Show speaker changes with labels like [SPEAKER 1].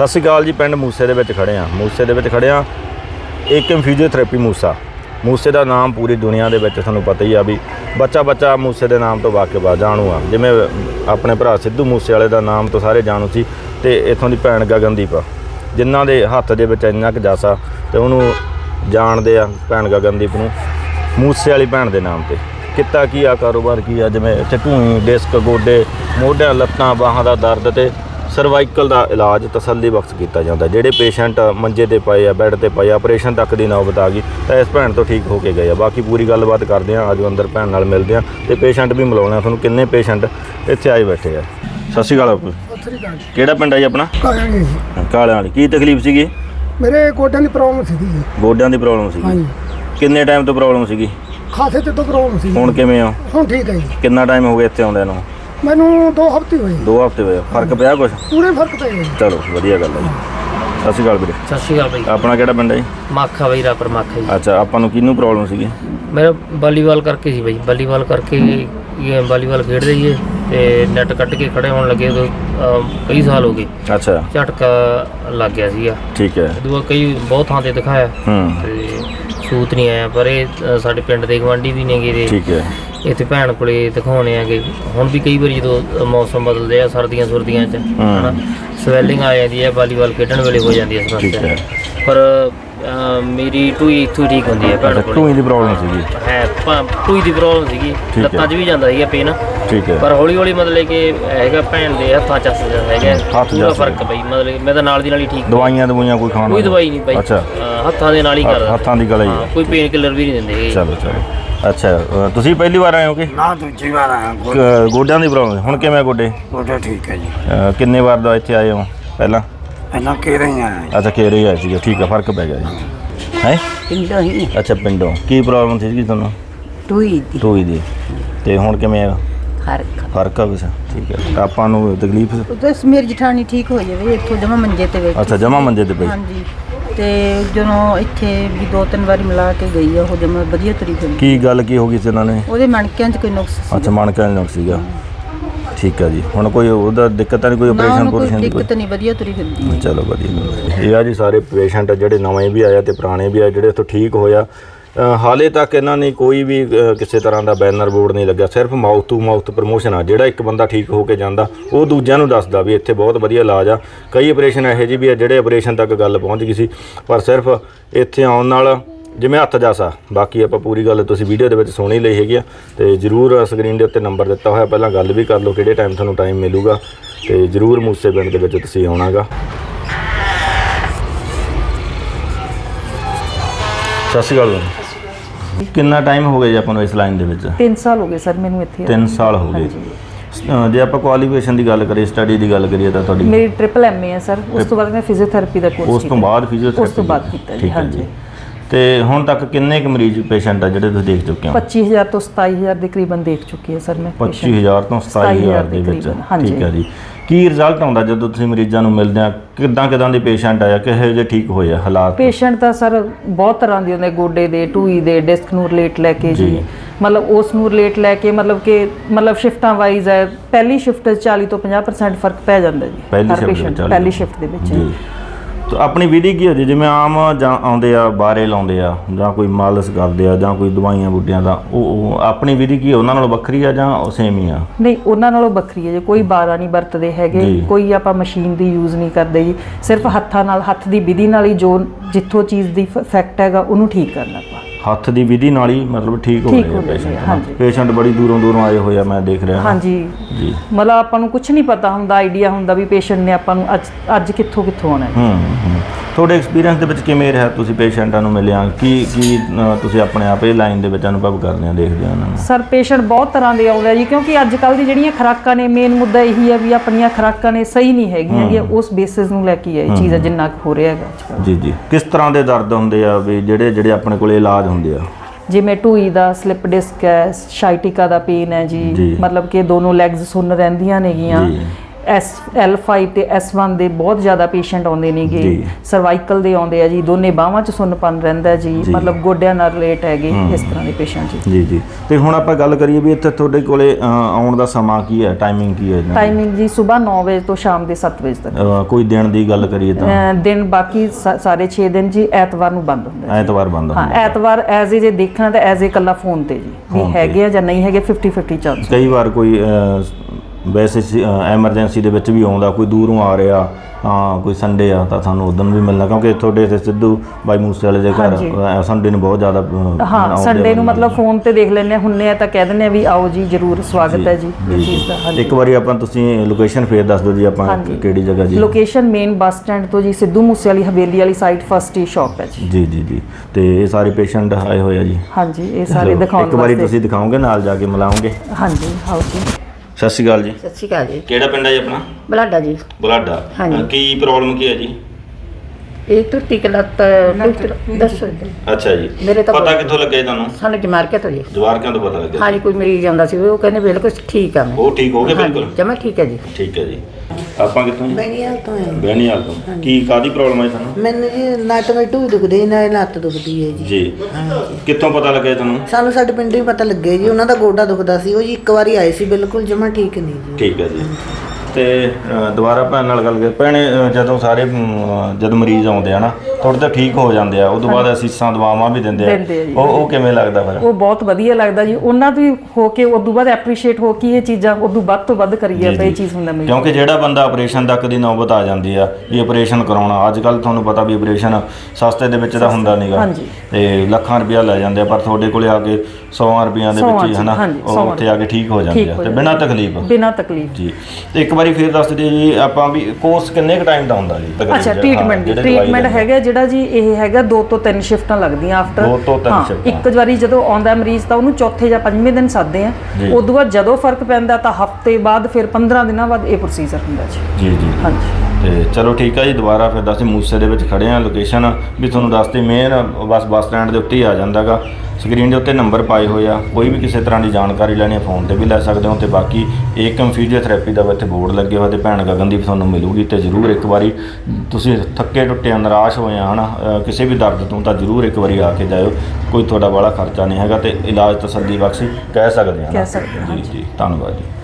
[SPEAKER 1] ਸਤਿ ਸ਼੍ਰੀ ਅਕਾਲ ਜੀ। ਪਿੰਡ ਮੂਸੇ ਦੇ ਵਿੱਚ ਖੜੇ ਆ ਏਕਮ ਫਿਜ਼ੀਓਥੈਰੇਪੀ ਮੂਸੇ ਦਾ ਨਾਮ ਪੂਰੀ ਦੁਨੀਆ ਦੇ ਵਿੱਚ ਤੁਹਾਨੂੰ ਪਤਾ ਹੀ ਆ ਵੀ ਬੱਚਾ ਮੂਸੇ ਦੇ ਨਾਮ ਤੋਂ ਵਾਕਿਫ ਆ, ਜਾਣੂ ਆ। ਜਿਵੇਂ ਆਪਣੇ ਭਰਾ ਸਿੱਧੂ ਮੂਸੇ ਵਾਲੇ ਦਾ ਨਾਮ ਤੋਂ ਸਾਰੇ ਜਾਣੂ ਸੀ, ਤੇ ਇੱਥੋਂ ਦੀ ਭੈਣ ਗਗਨਦੀਪ ਜਿਨ੍ਹਾਂ ਦੇ ਹੱਥ ਦੇ ਵਿੱਚ ਇੰਨਾ ਕੁ ਜਾਸਾ ਤੇ ਉਹਨੂੰ ਜਾਣਦੇ ਆ ਭੈਣ ਗਗਨਦੀਪ ਨੂੰ ਮੂਸੇ ਵਾਲੀ ਭੈਣ ਦੇ ਨਾਮ ਤੇ। ਕਿੱਤਾ ਕੀ ਆ, ਕਾਰੋਬਾਰ ਕੀ ਆ, ਜਿਵੇਂ ਇੱਥੇ ਢੂੰਹ, ਡਿਸਕ, ਗੋਡੇ, ਮੋਢਿਆਂ, ਲੱਤਾਂ, ਬਾਹਾਂ ਦਾ ਦਰਦ ਤੇ ਸਰਵਾਈਕਲ ਦਾ ਇਲਾਜ ਤਸੱਲੀ ਬਖਸ਼ ਕੀਤਾ ਜਾਂਦਾ। ਜਿਹੜੇ ਪੇਸ਼ੈਂਟ ਮੰਜੇ ਤੇ ਪਏ ਆ, ਬੈੱਡ ਤੇ ਪਏ ਆ, ਆਪਰੇਸ਼ਨ ਤੱਕ ਦੀ ਨੌਬਤ ਆ ਗਈ ਤਾਂ ਇਸ ਭੈਣ ਤੋਂ ਠੀਕ ਹੋ ਕੇ ਗਏ ਆ। ਬਾਕੀ ਪੂਰੀ ਗੱਲਬਾਤ ਕਰਦੇ ਆ, ਆਜੋ ਅੰਦਰ ਭੈਣ ਨਾਲ ਮਿਲਦੇ ਆ ਤੇ ਪੇਸ਼ੈਂਟ ਵੀ ਮਿਲਾਉਣੇ ਆ ਤੁਹਾਨੂੰ। ਕਿੰਨੇ ਪੇਸ਼ੈਂਟ ਇੱਥੇ ਆਏ ਬੈਠੇ ਆ। ਸਤਿ ਸ਼੍ਰੀ ਅਕਾਲ ਬਾਪੂ। ਕਿਹੜਾ ਪਿੰਡ ਆ ਜੀ ਆਪਣਾ? ਕਾਲਿਆਂ ਵਾਲੀ। ਕੀ ਤਕਲੀਫ ਸੀਗੀ?
[SPEAKER 2] ਮੇਰੇ ਗੋਡਿਆਂ ਦੀ ਪ੍ਰੋਬਲਮ ਸੀਗੀ।
[SPEAKER 1] ਗੋਡਿਆਂ ਦੀ ਪ੍ਰੋਬਲਮ ਸੀਗੀ? ਹਾਂਜੀ। ਕਿੰਨੇ ਟਾਈਮ ਤੋਂ ਪ੍ਰੋਬਲਮ ਸੀਗੀ?
[SPEAKER 2] ਖਾਸੇ ਤੇ ਤੋਂ ਪ੍ਰੋਬਲਮ ਸੀ। ਹੁਣ
[SPEAKER 1] ਕਿਵੇਂ ਹੋ?
[SPEAKER 2] ਹੁਣ ਠੀਕ ਹੈ ਜੀ।
[SPEAKER 1] ਕਿੰਨਾ ਟਾਈਮ ਹੋ ਗਿਆ ਇੱਥੇ ਆਉਂਦਿਆਂ ਨੂੰ?
[SPEAKER 2] ਮੈਨੂੰ 2 ਹਫ਼ਤੇ ਹੋਏ।
[SPEAKER 1] 2 ਹਫ਼ਤੇ ਹੋਏ। ਫਰਕ ਪਿਆ ਕੁਛ?
[SPEAKER 2] ਪੂਰੇ ਫਰਕ ਪਿਆ ਜੀ।
[SPEAKER 1] ਚਲੋ ਵਧੀਆ ਗੱਲ ਹੈ ਜੀ। ਸਤਿ ਸ਼੍ਰੀ ਅਕਾਲ ਵੀਰੇ।
[SPEAKER 3] ਸਤਿ ਸ਼੍ਰੀ ਅਕਾਲ ਬਾਈ।
[SPEAKER 1] ਆਪਣਾ ਕਿਹੜਾ ਪਿੰਡ ਹੈ ਜੀ?
[SPEAKER 3] ਮਾਖਾ ਬਾਈ, ਰਾਪਰ ਮਾਖਾ ਜੀ।
[SPEAKER 1] ਅੱਛਾ, ਆਪਾਂ ਨੂੰ ਕਿਹਨੂੰ ਪ੍ਰੋਬਲਮ ਸੀਗੀ?
[SPEAKER 3] ਮੇਰਾ ਵਾਲੀਬਾਲ ਕਰਕੇ ਸੀ ਬਾਈ। ਵਾਲੀਬਾਲ ਕਰਕੇ ਵਾਲੀਬਾਲ ਖੇਡਦੇ ਜੀ ਤੇ ਨੈਟ ਕੱਟ ਕੇ ਖੜੇ ਹੋਣ ਲੱਗੇ ਉਦੋਂ ਕਈ ਸਾਲ ਹੋ ਗਏ।
[SPEAKER 1] ਅੱਛਾ।
[SPEAKER 3] ਝਟਕਾ ਲੱਗ ਗਿਆ ਸੀਗਾ।
[SPEAKER 1] ਠੀਕ ਹੈ।
[SPEAKER 3] ਦੂਆ ਕਈ ਬਹੁਤ ਥਾਂ ਤੇ ਦਿਖਾਇਆ ਤੇ ਸੂਤ ਨਹੀਂ ਆਇਆ, ਪਰ ਇਹ ਸਾਡੇ ਪਿੰਡ ਦੇ ਗਵਾਂਢੀ ਵੀ ਨੇਗੇ ਤੇ
[SPEAKER 1] ਠੀਕ ਹੈ
[SPEAKER 3] ਇੱਥੇ ਭੈਣ ਕੋਲੇ ਦਿਖਾਉਣੇ ਆਗੇ। ਹੁਣ ਵੀ ਕਈ ਵਾਰੀ ਜਦੋਂ ਮੌਸਮ ਬਦਲਦੇ ਆ ਸਰਦੀਆਂ ਸੁਰਦੀਆਂ 'ਚ ਹਨਾ ਸਵੈਲਿੰਗ ਆ ਜਾਂਦੀ ਹੈ, ਵਾਲੀਬਾਲ ਖੇਡਣ ਵੇਲੇ ਹੋ ਜਾਂਦੀ ਹੈ ਸਮੱਸਿਆ। ਪਰ ਮੇਰੀ ਟੂਈ ਇੱਥੋਂ ਠੀਕ ਹੁੰਦੀ ਹੈ ਭੈਣ ਕੋਲ।
[SPEAKER 1] ਟੂਈ ਦੀ ਪ੍ਰੋਬਲਮ ਸੀਗੀ? ਹੈ,
[SPEAKER 3] ਟੂਈ ਦੀ ਪ੍ਰੋਬਲਮ ਸੀਗੀ। ਲੱਤਾਂ 'ਚ ਵੀ ਜਾਂਦਾ ਸੀਗਾ ਪੇਨ।
[SPEAKER 1] ਠੀਕ ਹੈ।
[SPEAKER 3] ਪਰ ਹੌਲੀ ਹੌਲੀ ਮਤਲਬ ਕਿ ਹੈਗਾ ਭੈਣ ਦੇ ਹੱਥਾਂ 'ਚ ਹੈਗਾ ਪੂਰਾ ਫਰਕ ਪਈ। ਮਤਲਬ ਮੈਂ ਤਾਂ ਨਾਲ ਦੀ ਨਾਲ ਹੀ ਠੀਕ।
[SPEAKER 1] ਦਵਾਈਆਂ ਕੋਈ ਖਾਣਾ?
[SPEAKER 3] ਕੋਈ ਦਵਾਈ ਨਹੀਂ ਪਈ।
[SPEAKER 1] ਅੱਛਾ।
[SPEAKER 3] ਹੱਥਾਂ ਦੇ ਨਾਲ ਹੀ ਕਰਦਾ।
[SPEAKER 1] ਹੱਥਾਂ ਦੀ ਗੱਲ ਹੀ?
[SPEAKER 3] ਕੋਈ ਪੇਨ ਕਿਲਰ ਵੀ ਨਹੀਂ ਦਿੰਦੇ।
[SPEAKER 1] ਚਲੋ। ਅੱਛਾ, ਤੁਸੀਂ ਪਹਿਲੀ ਵਾਰ ਆਏ ਹੋ ਕਿ?
[SPEAKER 4] ਨਾ, ਦੂਜੀ ਵਾਰ ਆਇਆ।
[SPEAKER 1] ਗੋਡਿਆਂ ਦੀ ਪ੍ਰੋਬਲਮ ਹੁਣ ਕਿਵੇਂ? ਗੋਡੇ
[SPEAKER 4] ਠੀਕ ਹੈ ਜੀ।
[SPEAKER 1] ਕਿੰਨੇ ਵਾਰ ਦਾ ਇੱਥੇ ਆਏ ਹੋ ਪਹਿਲਾਂ?
[SPEAKER 4] ਪਹਿਲਾਂ ਕੇਰੇ ਹੀ ਆਇਆ।
[SPEAKER 1] ਅੱਛਾ, ਕੇਰੇ ਹੀ ਆਏ ਸੀਗੇ। ਠੀਕ ਆ, ਫਰਕ ਪੈ ਗਿਆ ਜੀ। ਹੈ
[SPEAKER 4] ਪਿੰਡੋਂ ਹੀ।
[SPEAKER 1] ਅੱਛਾ, ਪਿੰਡੋਂ। ਕੀ ਪ੍ਰੋਬਲਮ ਸੀ ਤੁਹਾਨੂੰ? ਟੂਈ ਦੀ। ਤੇ ਹੁਣ ਕਿਵੇਂ ਆ? ਫਰਕ ਆ ਕੁਛ? ਠੀਕ ਹੈ। ਆਪਾਂ ਨੂੰ ਤਕਲੀਫ?
[SPEAKER 5] ਬਸ ਮੇਰੀ ਜਠਾਣੀ ਠੀਕ ਹੋ ਜਾਵੇ ਇੱਥੋਂ ਜਮਾ ਮੰਜੇ ਤੇ ਬੈਠੀ।
[SPEAKER 1] ਅੱਛਾ, ਜਮਾ ਮੰਜੇ ਤੇ ਪਈ?
[SPEAKER 5] ਹਾਂਜੀ। ਤੇ ਜਦੋਂ ਇੱਥੇ ਵੀ 2-3 ਵਾਰੀ ਮਿਲਾ ਕੇ ਗਈ ਆ ਉਹ ਜਮਾ ਵਧੀਆ ਤਰੀਕੇ ਨਾਲ।
[SPEAKER 1] ਕੀ ਗੱਲ ਕੀ ਹੋ ਗਈ ਸੀ ਇਹਨਾਂ ਨੇ?
[SPEAKER 5] ਉਹਦੇ ਮਣਕਿਆਂ 'ਚ ਕੋਈ ਨੁਕਸ ਸੀ।
[SPEAKER 1] ਅੱਛਾ, ਮਣਕਿਆਂ 'ਚ ਨੁਕਸ ਸੀਗਾ। ਠੀਕ ਆ ਜੀ। ਹੁਣ ਕੋਈ ਉਹਦਾ ਦਿੱਕਤ ਨਹੀਂ? ਕੋਈ ਆਪਰੇਸ਼ਨ
[SPEAKER 5] ਦੀ ਦਿੱਕਤ ਨਹੀਂ, ਵਧੀਆ ਤਰੀਕੇ ਹੁੰਦੀ ਹੈ।
[SPEAKER 1] ਚਲੋ ਵਧੀਆ। ਇਹ ਆ ਜੀ ਸਾਰੇ ਪੇਸ਼ੈਂਟ ਜਿਹੜੇ ਨਵੇਂ ਵੀ ਆਏ ਤੇ ਪੁਰਾਣੇ ਵੀ ਆਏ ਜਿਹੜੇ ਇੱਥੋਂ ਠੀਕ ਹੋਇਆ। ਹਾਲੇ ਤੱਕ ਇਹਨਾਂ ਨੇ ਕੋਈ ਵੀ ਕਿਸੇ ਤਰ੍ਹਾਂ ਦਾ ਬੈਨਰ ਬੋਰਡ ਨਹੀਂ ਲੱਗਿਆ। ਸਿਰਫ ਮਾਊਥ ਟੂ ਮਾਊਥ ਪ੍ਰਮੋਸ਼ਨ ਆ। ਜਿਹੜਾ ਇੱਕ ਬੰਦਾ ਠੀਕ ਹੋ ਕੇ ਜਾਂਦਾ ਉਹ ਦੂਜਿਆਂ ਨੂੰ ਦੱਸਦਾ ਵੀ ਇੱਥੇ ਬਹੁਤ ਵਧੀਆ ਇਲਾਜ ਆ। ਕਈ ਆਪਰੇਸ਼ਨ ਇਹੋ ਜਿਹੇ ਵੀ ਆ ਜਿਹੜੇ ਆਪਰੇਸ਼ਨ ਤੱਕ ਗੱਲ ਪਹੁੰਚ ਗਈ ਸੀ, ਪਰ ਸਿਰਫ ਇੱਥੇ ਆਉਣ ਨਾਲ ਜਿਵੇਂ ਹੱਥ ਜਾਸਾ। ਬਾਕੀ ਆਪਾਂ ਪੂਰੀ ਗੱਲ ਤੁਸੀਂ ਵੀਡੀਓ ਦੇ ਵਿੱਚ ਸੁਣੀ ਲਈ ਹੈਗੀ ਆ ਤੇ ਜ਼ਰੂਰ ਸਕਰੀਨ ਦੇ ਉੱਤੇ ਨੰਬਰ ਦਿੱਤਾ ਹੋਇਆ, ਪਹਿਲਾਂ ਗੱਲ ਵੀ ਕਰ ਲਓ ਕਿਹੜੇ ਟਾਈਮ ਤੁਹਾਨੂੰ ਟਾਈਮ ਮਿਲੂਗਾ ਤੇ ਜ਼ਰੂਰ ਮੂਸੇ ਪਿੰਡ ਦੇ ਵਿੱਚ ਤੁਸੀਂ ਆਉਣਾਗਾ। ਸਤਿ ਸ਼੍ਰੀ ਅਕਾਲ। ਕਿੰਨਾ ਟਾਈਮ ਹੋ ਗਿਆ ਜੀ ਆਪਾਂ ਨੂੰ ਇਸ ਲਾਈਨ ਦੇ ਵਿੱਚ?
[SPEAKER 6] 3 ਸਾਲ ਹੋ ਗਏ ਸਰ ਮੈਨੂੰ ਇੱਥੇ। 3
[SPEAKER 1] ਸਾਲ ਹੋ ਗਏ। ਜੇ ਆਪਾਂ ਕੁਆਲੀਫਿਕੇਸ਼ਨ ਦੀ ਗੱਲ ਕਰੀਏ, ਸਟੱਡੀ ਦੀ ਗੱਲ ਕਰੀਏ ਤਾਂ ਤੁਹਾਡੀ?
[SPEAKER 6] ਮੇਰੀ ਟ੍ਰਿਪਲ MA ਹੈ ਸਰ। ਉਸ ਤੋਂ ਬਾਅਦ ਮੈਂ ਫਿਜ਼ੀਓਥੈਰੇਪੀ ਦਾ ਕੋਰਸ ਕੀਤਾ।
[SPEAKER 1] ਉਸ ਤੋਂ ਬਾਅਦ ਫਿਜ਼ੀਓਥੈਰੇਪੀ?
[SPEAKER 6] ਉਸ ਤੋਂ ਬਾਅਦ ਕੀਤਾ ਜੀ। ਹਾਂਜੀ।
[SPEAKER 1] ਤੇ ਹੁਣ ਤੱਕ ਕਿੰਨੇ ਕੁ ਮਰੀਜ਼ ਪੇਸ਼ੈਂਟ ਆ ਜਿਹੜੇ ਤੁਸੀਂ ਦੇਖ ਚੁੱਕੇ ਹੋ?
[SPEAKER 6] 25000 ਤੋਂ 27000 ਦੇ ਕਰੀਬਨ ਦੇਖ ਚੁੱਕੀ ਹੈ ਸਰ ਮੈਂ।
[SPEAKER 1] 25000 ਤੋਂ 27000 ਦੇ ਵਿੱਚ? ਠੀਕ ਹੈ ਜੀ। ਕੀ ਰਿਜ਼ਲਟ ਆਉਂਦਾ ਜਦੋਂ ਤੁਸੀਂ ਮਰੀਜ਼ਾਂ ਨੂੰ ਮਿਲਦੇ ਆ? ਕਿੱਦਾਂ ਦੇ ਪੇਸ਼ੈਂਟ ਆਇਆ, ਕਿਹੋ ਜਿਹੇ ਠੀਕ ਹੋਏ ਆ ਹਾਲਾਤ?
[SPEAKER 6] ਪੇਸ਼ੈਂਟ ਤਾਂ ਸਰ ਬਹੁਤ ਤਰ੍ਹਾਂ ਦੇ ਹੁੰਦੇ। ਗੋਡੇ ਦੇ, ਟੂਈ ਦੇ, ਡਿਸਕ ਨੂੰ ਰਿਲੇਟ ਲੈ ਕੇ ਜੀ, ਮਤਲਬ ਉਸ ਨੂੰ ਰਿਲੇਟ ਲੈ ਕੇ ਮਤਲਬ ਸ਼ਿਫਟਾਂ ਵਾਈਜ਼ ਹੈ। ਪਹਿਲੀ ਸ਼ਿਫਟ 40 ਤੋਂ 50% ਫਰਕ ਪੈ ਜਾਂਦਾ ਜੀ ਪਹਿਲੀ ਸ਼ਿਫਟ ਦੇ ਵਿੱਚ ਜੀ। ਤਾਂ ਆਪਣੀ ਵਿਧੀ ਕੀ ਹੁੰਦੀ? ਜਿਵੇਂ ਆਮ ਜਾਂ ਆਉਂਦੇ ਆ ਬਾਰੇ ਲਾਉਂਦੇ ਆ ਜਾਂ ਕੋਈ ਮਾਲਿਸ਼ ਕਰਦੇ ਆ ਜਾਂ ਕੋਈ ਦਵਾਈਆਂ ਬੂਟਿਆਂ ਦਾ, ਉਹ ਆਪਣੀ ਵਿਧੀ ਕੀ ਉਹਨਾਂ ਨਾਲੋਂ ਵੱਖਰੀ ਆ ਜਾਂ ਸੇਮ ਹੀ ਆ? ਨਹੀਂ, ਉਹਨਾਂ ਨਾਲੋਂ ਵੱਖਰੀ ਹੈ ਜੀ। ਕੋਈ ਬਾਰਾ ਨਹੀਂ ਵਰਤਦੇ ਹੈਗੇ, ਕੋਈ ਆਪਾਂ ਮਸ਼ੀਨ ਦੀ ਯੂਜ਼ ਨਹੀਂ ਕਰਦੇ ਜੀ। ਸਿਰਫ ਹੱਥਾਂ ਨਾਲ, ਹੱਥ ਦੀ ਵਿਧੀ ਨਾਲ ਹੀ ਜੋ ਜਿੱਥੋਂ ਚੀਜ਼ ਦੀ ਇਫੈਕਟ ਹੈਗਾ ਉਹਨੂੰ ਠੀਕ ਕਰਨਾ ਆਪਾਂ। ਹੱਥ ਦੀ ਵਿਧੀ ਨਾਲ ਹੀ ਮਤਲਬ ਠੀਕ ਹੋ ਰਿਹਾ ਪੇਸ਼ੈਂਟ? ਪੇਸ਼ੈਂਟ ਬੜੀ ਦੂਰੋਂ ਆਏ ਹੋਏ ਆ, ਮੈਂ ਦੇਖ ਰਿਹਾ। ਹਾਂਜੀ ਜੀ। ਮਤਲਬ ਆਪਾਂ ਨੂੰ ਕੁਝ ਨਹੀਂ ਪਤਾ ਹੁੰਦਾ, ਆਈਡੀਆ ਹੁੰਦਾ ਵੀ ਪੇਸ਼ੈਂਟ ਨੇ ਆਪਾਂ ਨੂੰ ਅੱਜ ਕਿੱਥੋਂ ਆਉਣਾ ਹੈ। ਤੁਹਾਡੇ ਐਕਸਪੀਰੀਅੰਸ ਦੇ ਵਿੱਚ ਕਿਵੇਂ ਰਿਹਾ? ਤੁਸੀਂ ਪੇਸ਼ੈਂਟਾਂ ਨੂੰ ਮਿਲਿਆ, ਕੀ ਤੁਸੀਂ ਆਪਣੇ ਆਪ ਇਹ ਲਾਈਨ ਦੇ ਵਿੱਚ ਅਨੁਭਵ ਕਰਦੇ ਆ, ਦੇਖਦੇ ਆ ਉਹਨਾਂ ਨੂੰ? ਸਰ, ਪੇਸ਼ੈਂਟ ਬਹੁਤ ਤਰ੍ਹਾਂ ਦੇ ਆਉਂਦੇ ਆ ਜੀ, ਕਿਉਂਕਿ ਅੱਜ ਕੱਲ੍ਹ ਦੀ ਜਿਹੜੀਆਂ ਖੁਰਾਕਾਂ ਨੇ, ਮੇਨ ਮੁੱਦਾ ਇਹੀ ਹੈ ਵੀ ਆਪਣੀਆਂ ਖੁਰਾਕਾਂ ਨੇ ਸਹੀ ਨਹੀਂ ਹੈਗੀਆਂ। ਉਸ ਬੇਸਿਸ ਨੂੰ ਲੈ ਕੇ ਇਹ ਚੀਜ਼ ਜਿੰਨਾ ਕੁ ਹੋ ਰਿਹਾ ਹੈਗਾ। ਜੀ। ਕਿਸ ਤਰ੍ਹਾਂ ਦੇ ਦਰਦ ਹੁੰਦੇ ਆ ਵੀ ਜਿਹੜੇ ਆਪਣੇ ਕੋਲ ਇਲਾਜ ਹੁੰਦੇ ਆ? ਜਿਵੇਂ ਟੂਈ ਦਾ, ਸਲਿਪ ਡਿਸਕ ਹੈ, ਸਾਈਟਿਕਾ ਦਾ ਪੇਨ ਹੈ ਜੀ, ਮਤਲਬ ਕਿ ਦੋਨੋਂ ਲੈਗਸ ਸੁੰਨ ਰਹਿੰਦੀਆਂ ਨੇਗੀਆਂ। L5 ਤੇ S1 ਦੇ ਬਹੁਤ ਜ਼ਿਆਦਾ ਪੇਸ਼ੈਂਟ ਆਉਂਦੇ ਨੇਗੇ।
[SPEAKER 1] ਜੀ।
[SPEAKER 6] ਸਰਵਾਈਕਲ ਦੇ ਆਉਂਦੇ ਆ ਜੀ, ਦੋਨੇ ਬਾਹਾਂ 'ਚ ਸੁੰਨਪਨ ਰਹਿੰਦਾ ਜੀ, ਮਤਲਬ ਗੋਡਿਆਂ ਨਾਲ ਰਿਲੇਟ ਹੈਗੇ ਇਸ ਤਰ੍ਹਾਂ ਦੇ ਪੇਸ਼ੈਂਟ ਜੀ।
[SPEAKER 1] ਜੀ ਜੀ। ਤੇ ਹੁਣ ਆਪਾਂ ਗੱਲ ਕਰੀਏ ਵੀ ਇੱਥੇ ਤੁਹਾਡੇ ਕੋਲੇ ਆਉਣ ਦਾ ਸਮਾਂ ਕੀ ਹੈ, ਟਾਈਮਿੰਗ ਕੀ ਹੈ ਇਹਨਾਂ ਦੀ?
[SPEAKER 6] ਟਾਈਮਿੰਗ ਜੀ ਸਵੇਰ 9 ਵਜੇ ਤੋਂ ਸ਼ਾਮ ਦੇ 7 ਵਜੇ ਤੱਕ।
[SPEAKER 1] ਕੋਈ ਦਿਨ ਦੀ ਗੱਲ ਕਰੀਏ ਤਾਂ
[SPEAKER 6] ਦਿਨ ਬਾਕੀ ਸਾਰੇ 6 ਦਿਨ ਜੀ, ਐਤਵਾਰ ਨੂੰ ਬੰਦ ਹੁੰਦਾ ਜੀ।
[SPEAKER 1] ਐਤਵਾਰ ਬੰਦ
[SPEAKER 6] ਹਾਂ,
[SPEAKER 1] ਹੁੰਦਾ।
[SPEAKER 6] ਐਤਵਾਰ ਐਜ਼ ਜੇ ਦੇਖਣਾ ਤਾਂ ਐਜ਼ ਇਕੱਲਾ ਫੋਨ ਤੇ ਜੀ, ਵੀ ਹੈਗੇ ਆ ਜਾਂ ਨਹੀਂ ਹੈਗੇ, 50-50 ਚਾਂਸ।
[SPEAKER 1] ਕਈ ਵਾਰ ਕੋਈ ਵੈਸੇ ਐਮਰਜੈਂਸੀ ਦੇ ਵਿੱਚ ਵੀ ਆਉਂਦਾ, ਕੋਈ ਦੂਰੋਂ ਆ ਰਿਹਾ, ਕੋਈ ਸੰਡੇ ਆ ਤਾਂ ਸਾਨੂੰ ਉਦੋਂ ਵੀ ਮਿਲਣਾ, ਕਿਉਂਕਿ ਤੁਹਾਡੇ ਇੱਥੇ ਸਿੱਧੂ ਬਾਈ ਮੂਸੇ ਵਾਲੇ ਦੇ ਘਰ ਸੰਡੇ ਨੂੰ ਬਹੁਤ ਜ਼ਿਆਦਾ
[SPEAKER 6] ਹਾਂ, ਸੰਡੇ ਨੂੰ ਮਤਲਬ ਫੋਨ ਤੇ ਦੇਖ ਲੈਂਦੇ ਹੁੰਨੇ ਆ ਤਾਂ ਕਹਿ ਦਿੰਦੇ ਆ ਵੀ ਆਓ ਜੀ, ਜ਼ਰੂਰ ਸਵਾਗਤ ਹੈ ਜੀ ਇਹ ਚੀਜ਼ ਦਾ। ਹਾਂਜੀ,
[SPEAKER 1] ਇੱਕ ਵਾਰੀ ਆਪਾਂ ਤੁਸੀਂ ਲੋਕੇਸ਼ਨ ਫੇਰ ਦੱਸ ਦਿਓ ਜੀ, ਆਪਾਂ ਕਿਹੜੀ ਜਗ੍ਹਾ ਜੀ?
[SPEAKER 6] ਲੋਕੇਸ਼ਨ ਮੇਨ ਬੱਸ ਸਟੈਂਡ ਤੋਂ ਜੀ, ਸਿੱਧੂ ਮੂਸੇ ਵਾਲੀ ਹਵੇਲੀ ਵਾਲੀ ਸਾਈਡ ਫਸਟ ਹੀ ਸ਼ਾਪ ਹੈ ਜੀ।
[SPEAKER 1] ਜੀ ਜੀ ਜੀ। ਤੇ ਇਹ ਸਾਰੇ ਪੇਸ਼ੈਂਟ ਆਏ ਹੋਏ ਆ ਜੀ?
[SPEAKER 6] ਹਾਂਜੀ, ਇਹ ਸਾਰੇ ਦਿਖਾਉਣ
[SPEAKER 1] ਇੱਕ ਵਾਰੀ ਤੁਸੀਂ ਦਿਖਾਓਗੇ, ਨਾਲ ਜਾ ਕੇ ਮਿਲਾਓਗੇ?
[SPEAKER 6] ਹਾਂਜੀ, ਆਓ ਜੀ।
[SPEAKER 1] ਸਤਿ ਸ਼੍ਰੀ ਅਕਾਲ ਜੀ।
[SPEAKER 7] ਸਤਿ ਸ਼੍ਰੀ ਅਕਾਲ ਜੀ।
[SPEAKER 1] ਕਿਹੜਾ ਪਿੰਡ ਹੈ ਜੀ ਆਪਣਾ?
[SPEAKER 7] ਬਲਾਡਾ ਜੀ।
[SPEAKER 1] ਬੁਲਾਡਾ।
[SPEAKER 7] ਹਾਂਜੀ।
[SPEAKER 1] ਕੀ ਪ੍ਰੋਬਲਮ ਕੀ ਹੈ ਜੀ?
[SPEAKER 7] ਇਹ ਟੁੱਟੀ ਕਲੱਤ ਦੱਸੋ ਜੀ।
[SPEAKER 1] ਅੱਛਾ ਜੀ।
[SPEAKER 7] ਮੇਰੇ ਤਾਂ
[SPEAKER 1] ਪਤਾ ਕਿੱਥੋਂ ਲੱਗਿਆ ਜੀ ਤੁਹਾਨੂੰ?
[SPEAKER 7] ਸਾਨੂੰ ਜਮਾਰ ਕੇ ਤੋਂ ਜੀ।
[SPEAKER 1] ਜਵਾਰਕਾਂ ਤੋਂ ਪਤਾ ਲੱਗਿਆ?
[SPEAKER 7] ਹਾਂਜੀ, ਕੋਈ ਮਰੀਜ਼ ਆਉਂਦਾ ਸੀ, ਉਹ ਕਹਿੰਦੇ ਬਿਲਕੁਲ ਠੀਕ ਆ ਮੈਂ।
[SPEAKER 1] ਉਹ ਠੀਕ ਹੋ ਗਏ ਬਿਲਕੁਲ?
[SPEAKER 7] ਜਮਾ ਠੀਕ ਹੈ ਜੀ।
[SPEAKER 1] ਠੀਕ ਹੈ ਜੀ। ਆਪਾਂ ਕਿੱਥੋਂ ਜੀ?
[SPEAKER 8] ਬੈਣੀਵਾਲ ਤੋਂ ਹੈ।
[SPEAKER 1] ਬੈਣੀਵਾਲ ਤੋਂ। ਕੀ ਕਾਦੀ ਪ੍ਰੋਬਲਮ ਹੈ ਤੁਹਾਨੂੰ?
[SPEAKER 8] ਮੈਨੂੰ ਜੀ ਨੱਟ ਵਿੱਚ ਢੂਈ ਦੁਖਦੀ ਨਾ ਲੱਤ ਦੁਖਦੀ ਹੈ ਜੀ।
[SPEAKER 1] ਜੀ। ਕਿੱਥੋਂ ਪਤਾ ਲੱਗਿਆ ਤੁਹਾਨੂੰ?
[SPEAKER 8] ਸਾਨੂੰ ਸਾਡੇ ਪਿੰਡ ਹੀ ਪਤਾ ਲੱਗਿਆ ਜੀ, ਉਹਨਾਂ ਦਾ ਗੋਡਾ ਦੁਖਦਾ ਸੀ, ਉਹ ਜੀ ਇੱਕ ਵਾਰੀ ਆਏ ਸੀ, ਬਿਲਕੁਲ ਜਮਾ ਠੀਕ ਨਹੀਂ ਜੀ।
[SPEAKER 1] ਠੀਕ ਹੈ ਜੀ। ਤੇ ਦੁਬਾਰਾ ਭੈਣ ਨਾਲ ਗੱਲ ਕਰ ਭੈਣੇ, ਜਦੋਂ ਸਾਰੇ ਜਦੋਂ ਮਰੀਜ਼ ਆਉਂਦੇ ਆ ਨਾ ਥੋੜੇ ਤਾਂ ਠੀਕ ਹੋ ਜਾਂਦੇ ਆ, ਉਸ ਤੋਂ ਬਾਅਦ ਅਸੀਸਾਂ ਦੁਆਵਾਂ ਵੀ ਦਿੰਦੇ ਆ, ਉਹ ਕਿਵੇਂ ਲੱਗਦਾ ਫਿਰ?
[SPEAKER 6] ਉਹ ਬਹੁਤ ਵਧੀਆ ਲੱਗਦਾ ਜੀ, ਉਹਨਾਂ ਤੋਂ ਹੋ ਕੇ ਉਸ ਤੋਂ ਬਾਅਦ ਐਪਰੀਸ਼ੀਏਟ ਹੋ ਕੇ ਇਹ ਚੀਜ਼ਾਂ ਉਦੋਂ ਵੱਧ ਤੋਂ ਵੱਧ ਕਰੀਏ ਆਪਾਂ, ਇਹ ਚੀਜ਼ ਹੁੰਦਾ ਮੈਨੂੰ।
[SPEAKER 1] ਕਿਉਂਕਿ ਜਿਹੜਾ ਬੰਦਾ ਆਪਰੇਸ਼ਨ ਤੱਕ ਦੀ ਨੌਬਤ ਆ ਜਾਂਦੀ ਆ ਵੀ ਆਪਰੇਸ਼ਨ ਕਰਾਉਣਾ, ਅੱਜ ਕੱਲ ਤੁਹਾਨੂੰ ਪਤਾ ਵੀ ਆਪਰੇਸ਼ਨ ਸਸਤੇ ਦੇ ਵਿੱਚ ਤਾਂ ਹੁੰਦਾ ਨਹੀਂਗਾ, ਤੇ ਲੱਖਾਂ ਰੁਪਇਆ ਲੈ ਜਾਂਦੇ ਆ, ਪਰ ਤੁਹਾਡੇ ਕੋਲੇ ਆ ਕੇ 100 ਰੁਪਈਆਂ ਦੇ ਵਿੱਚ ਹੀ ਹਨਾ ਉਹ ਉੱਥੇ ਆ ਕੇ ਠੀਕ ਹੋ ਜਾਂਦੇ ਆ, ਤੇ ਬਿਨਾਂ ਤਕਲੀਫ ਜੀ। ਤੇ ਇੱਕ ਵਾਰੀ ਫਿਰ ਦੱਸ ਦਿਓ ਜੀ ਆਪਾਂ ਵੀ ਕੋਰਸ ਕਿੰਨੇ ਕੁ ਟਾਈਮ ਦਾ ਹੁੰਦਾ ਜੀ?
[SPEAKER 6] ਅੱਛਾ, ਟ੍ਰੀਟਮੈਂਟ ਹੈਗਾ ਜਿਹੜਾ ਜੀ, ਇਹ ਹੈਗਾ 2 ਤੋਂ 3 ਸ਼ਿਫਟਾਂ ਲੱਗਦੀਆਂ ਆਫਟਰ।
[SPEAKER 1] 2 ਤੋਂ 3 ਸ਼ਿਫਟਾਂ।
[SPEAKER 6] ਇੱਕ ਵਾਰੀ ਜਦੋਂ ਆਉਂਦਾ ਮਰੀਜ਼ ਤਾਂ ਉਹਨੂੰ ਚੌਥੇ ਜਾਂ 5ਵੇਂ ਦਿਨ ਸੱਦਦੇ ਆ, ਉਦੋਂ ਬਾਅਦ ਜਦੋਂ ਫਰਕ ਪੈਂਦਾ ਤਾਂ ਹਫ਼ਤੇ ਬਾਅਦ, ਫਿਰ 15 ਦਿਨਾਂ ਬਾਅਦ ਇਹ ਪ੍ਰੋਸੀਜਰ ਹੁੰਦਾ ਜੀ।
[SPEAKER 1] ਜੀ ਜੀ।
[SPEAKER 6] ਹਾਂਜੀ।
[SPEAKER 1] ਤੇ ਚਲੋ ਠੀਕ ਆ ਜੀ, ਦੁਬਾਰਾ ਫਿਰ ਦੱਸ ਮੂਸੇ ਦੇ ਵਿੱਚ ਖੜੇ ਆ, ਲੋਕੇਸ਼ਨ ਵੀ ਤੁਹਾਨੂੰ ਦੱਸਦੇ, ਮੇਨ ਬੱਸ ਸਟੈਂਡ ਦੇ ਉੱਤੇ ਹੀ ਆ ਜਾਂਦਾਗਾ, ਸਕਰੀਨ ਦੇ ਉੱਤੇ ਨੰਬਰ ਪਾਏ ਹੋਏ ਆ, ਕੋਈ ਵੀ ਕਿਸੇ ਤਰ੍ਹਾਂ ਦੀ ਜਾਣਕਾਰੀ ਲੈਣੀ ਹੈ ਫੋਨ ਤੇ ਵੀ ਲੈ ਸਕਦੇ ਹੋ, ਤੇ ਬਾਕੀ ਏਕਮ ਫਿਜ਼ੀਓਥੈਰੇਪੀ ਦਾ ਇੱਥੇ ਬੋਰਡ ਲੱਗੇ ਹੋਏ ਤੇ ਭੈਣ ਗਗਨਦੀਪ ਤੁਹਾਨੂੰ ਮਿਲੂਗੀ, ਤੇ ਜ਼ਰੂਰ ਇੱਕ ਵਾਰੀ ਤੁਸੀਂ ਥੱਕੇ ਟੁੱਟੇ ਨਿਰਾਸ਼ ਹੋਏ ਆ ਹਨਾ ਕਿਸੇ ਵੀ ਦਰਦ ਤੋਂ, ਤਾਂ ਜ਼ਰੂਰ ਇੱਕ ਵਾਰੀ ਆ ਕੇ ਜਾਇਓ, ਕੋਈ ਤੁਹਾਡਾ ਬੜਾ ਖਰਚਾ ਨਹੀਂ ਹੈਗਾ, ਤੇ ਇਲਾਜ ਤਸੱਲੀ ਬਖਸ਼ ਕਹਿ ਸਕਦੇ ਹਾਂ।
[SPEAKER 6] ਕਹਿ ਸਕਦੇ ਹਾਂ।
[SPEAKER 1] ਜੀ ਜੀ, ਧੰਨਵਾਦ ਜੀ।